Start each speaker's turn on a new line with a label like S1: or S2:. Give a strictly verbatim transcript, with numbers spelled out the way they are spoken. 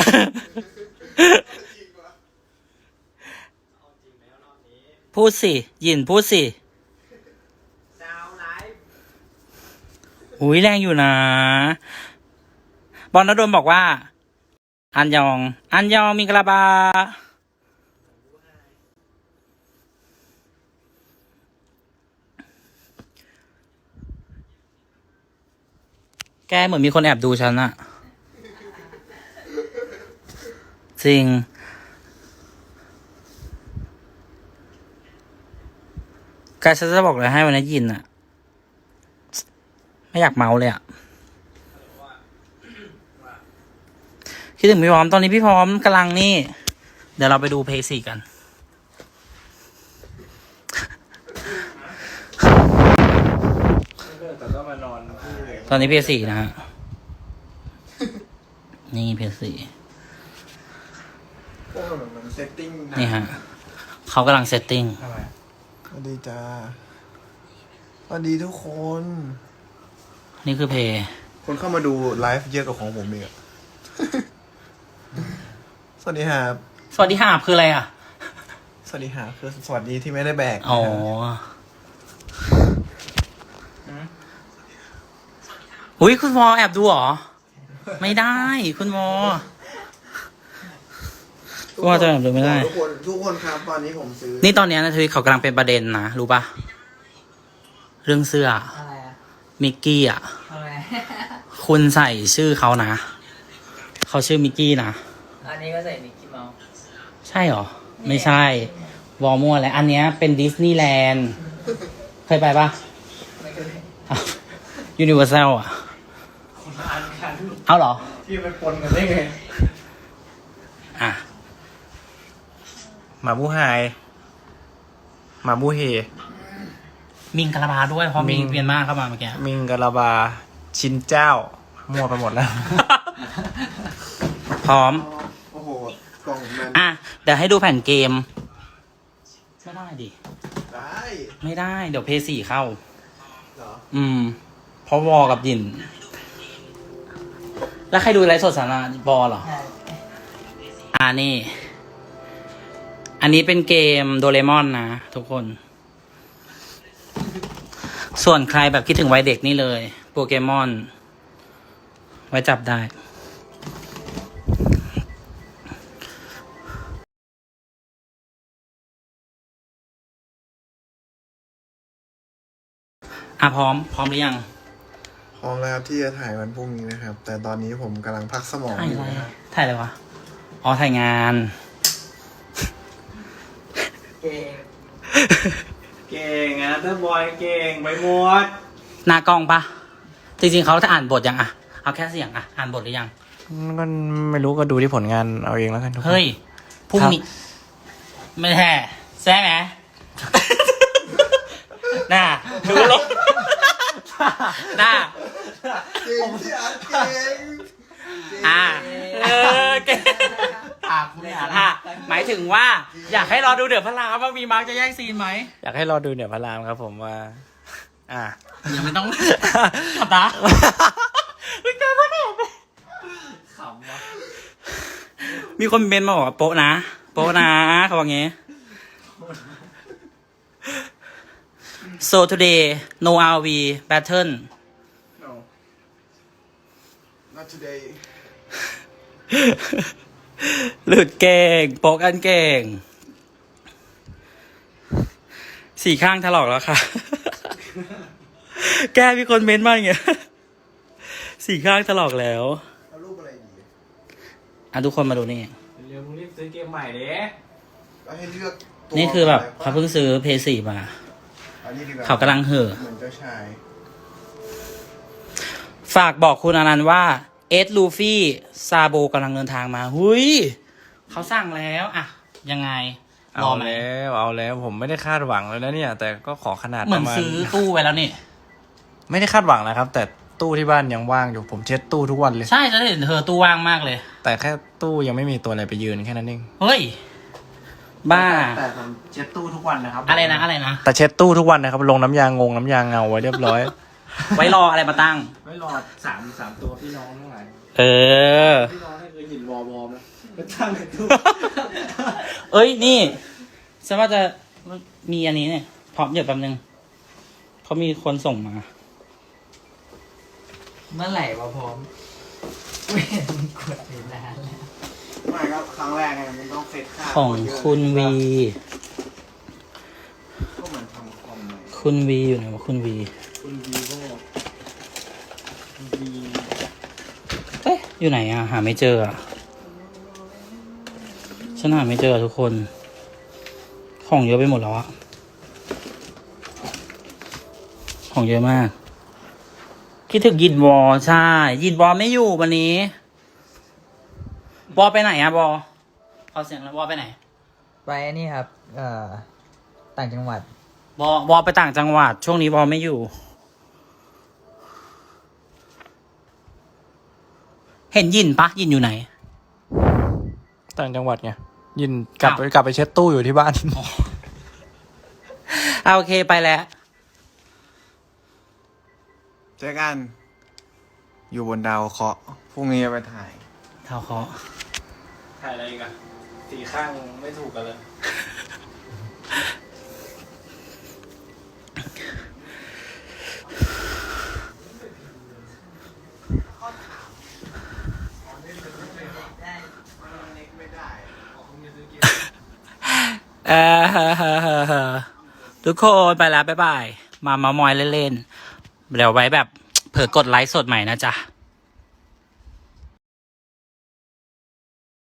S1: พูดสิยินพูดสิอุ้ยแรงอยู่นะบอลนดลบอกว่าอันยองอันยองมิงกลาบาแกเหมือนมีคนแอบดูฉันอะจริงแกฉันจะบอกเลยให้วันนี้ยินอะไม่อยากเมาเลยอะคิดถึงพี่พร้อมตอนนี้พี่พร้อมกำลังนี่เดี๋ยวเราไปดูเพย์สี่กันตอนนี้เพย์สี่นะฮะนี่เพย์สี่นี่ฮะเขากำลังเซตติ้ง
S2: สวัสดีจ้าสวัสดีทุกคน
S1: นี่คือเพย์
S2: คนเข้ามาดูไลฟ์เยอะกว่าของผมอีกอะ สวัสดีครับ
S1: สวัสดีค่ะคืออะไรอ่ะ
S2: สวัสดีครับคือสวัสดีที่ไม่ได้แบก
S1: อ๋ออุ้ยคุณวอแอบดูเหรอไม่ได้คุณวอคุณวอจะแอบดูไม่ได้
S2: ทุกคนทุกคนครับตอนนี้ผมซื้อ
S1: นี่ตอนนี้นะทวีตเขากำลังเป็นประเด็นนะรู้ปะเรื่องเสื้อ
S3: อะไรอะ
S1: มิกกี้อ่ะ
S3: อะไร
S1: คุณใส่ชื่อเขานะเขาชื่อมิกกี้นะ
S3: อันนี้ก็ใส่มิกกี้เมาส์
S1: ใช่หรอไม่ใช่วอมั่วแล้วอันเนี้ยเป็นดิสนีย์แลนด์เคยไปปะ
S3: ไม่เคย
S1: ยูนิเวอร์แซลอ่ะ
S3: คนละอันกัน
S1: เอาเหรอ
S3: ที่ไปปนกันได้ไง
S1: อ่ะ
S2: หมาบูไฮหมาบูเฮ
S1: มิงกะลาบาด้วยเพราะมิงเปลี่ยนมากเข้ามาเมื่อกี้
S2: มิงกะลาบาชินเจ้ามั่วไปหมดแล้ว
S1: พร้อม
S2: โอ้โหกล่องมัน
S1: อ่ะเดี๋ยวให้ดูแผ่นเกมไม่ได้ดิ
S2: ได้
S1: ไม่ได้เดี๋ยวเพย์สี่เข้า
S2: เหรอ
S1: อืมเพราะวอกับยินแล้วใครดูไลฟ์สดสาระบอเหรออ่านี่อันนี้เป็นเกมโดเรมอนนะทุกคนส่วนใครแบบคิดถึงวัยเด็กนี่เลยโปเกมอนไว้จับได้อ่ะพร้อมพร้อมหรือยัง
S2: พร้อมแล้วที่จะถ่ายวันพรุ่งนี้นะครับแต่ตอนนี้ผมกำลังพักสมองอยู่นะครับ
S1: ถ่ายอะไรวะอ๋อถ่ายงาน
S3: เก่งเก่งนะเตอร์บอยเก่งไปหมด
S1: หน้ากล้องปะจริงๆเขาจะอ่านบทยังอะเอาแค่เสียงอะอ่านบทหรือยัง
S2: ก็ไม่รู้ก็ดูที่ผลงานเอาเองแล้วกันทุกคน
S1: เฮ้ยพรุ่งนี้ไม่แท้แซ่ไหมน่าดูลงน่า
S2: เก่งที่อ่านเก่ง
S1: อ่าเออเก่งอ่าหมายถึงว่าอยากให้รอดูเดือดพระรามว่ามีมาร์กจะแย่งซีนไหม
S2: อยากให้รอดูเดือดพระรามครับผมว่าอ่า
S1: ยังไม่ต้องขับตาไม่กล้าพูดเลยขำวะมีคนเมนมาบอกว่าโป๊ะนะโป๊ะนะเขาบอกงี้ so today no อาร์ วี battle
S2: no not today
S1: หลุดเก่งโป๊ะกันเก่งสี่ข้างถลอกแล้วค่ะแกมีคนเม้นต์มาอย่างเงี้ยสี่ข้างถลอกแล้ว
S2: เอารูปอะไรดี
S1: อ่ะทุกคนมาดูนี่
S3: เร็วมึงรีบซื้อเกมใหม่เด้
S2: ให้เลือก
S1: นี่คือแบบเขาเพิ่งซื้อเพย์สี่มาเขากำลังเห่อ
S2: เหมือนเจ้าชาย
S1: ฝากบอกคุณอนันต์ว่าเอสลูฟี่ซาโบกำลังเดินทางมาหุยเขาสั่งแล้วอ่ะยังไง
S2: เอาแล้วเอาแล้วผมไม่ได้คาดหวังเลยนะเนี่ยแต่ก็ขอขนาด
S1: เหมือนซื้อตู้ไว้แล้วนี่
S2: ไม่ได้คาดหวังนะครับแต่ตู้ที่บ้านยังว่างอยู่ผมเช็ดตู้ทุกวันเลย
S1: ใช่จะเห็นเธอตู้ว่างมากเลย
S2: แต่แค่ตู้ยังไม่มีตัวอะไรไปยืนแค่นั้นเอง
S1: เฮ้ยบ้า
S3: แต่ผมเช็ดตู้ทุกวันนะครับ
S1: อะไรนะอะไรนะ
S2: แต่เช็ดตู้ทุกวันนะครับลงน้ำยางงงน้ำยางเงาไว้เรียบร้อย
S1: ไว้รออะไรมาตั้ง
S3: ไว้รอสามสามตัวพี่น้องทั้งหลาย
S1: เออ
S3: พี่น้องให้เคยหินวอลวอลนะไปตั้งในตู้
S1: เอ้ยนี่ฉันว่าจะมีอันนี้เนี่ยพร้อมเดี๋ยวแป๊บนึงเขามีคนส่งมา
S4: เมื่อไหร่วะพร้อมไม่เห็นมึงกดเวลาแล้ว
S2: ไม่ครับครั้งแรกไงมันต้องเซตค่า
S1: ของคุณวี
S2: ก็เหมือนทำคอมเลย
S1: คุณวีอยู่ไหนวะคุณวี
S3: คุณวีโววี
S1: เอ๊ะอยู่ไหนอะหาไม่เจออะฉันหาไม่เจออะทุกคน ของเยอะไปหมดแล้วอะของเยอะมาก คิดถึงยินวอใช่ ยินวอไม่อยู่วันนี้วอไปไหนอะบอเอาเสียงแล้ววอไปไหน
S4: ไปนี่ครับ เอ่อ ต่างจังหวัด
S1: วอวอไปต่างจังหวัด ช่วงนี้วอไม่อยู่ เห็นยินปะยินอยู่ไหน
S5: ต่างจังหวัดไงยินกลับไป
S1: อ้าว
S5: กลับไปเช็ดตู้อยู่ที่บ้าน
S1: เอาโอเคไปแล้ว
S2: เจอกัน อยู่บนดาวเคราะห์พรุ่งนี้จะไปถ่าย
S1: เท่าเคาะ
S3: ถ่ายอะไรอีกันสีข้างไม่ถูกกันเลย
S1: เออทุกคนไปแล้วบ๊ายบาย มาเมามอยเล่นๆ เดี๋ยวไว้แบบ เผื่อกดไลฟ์สดใหม่นะจ๊ะ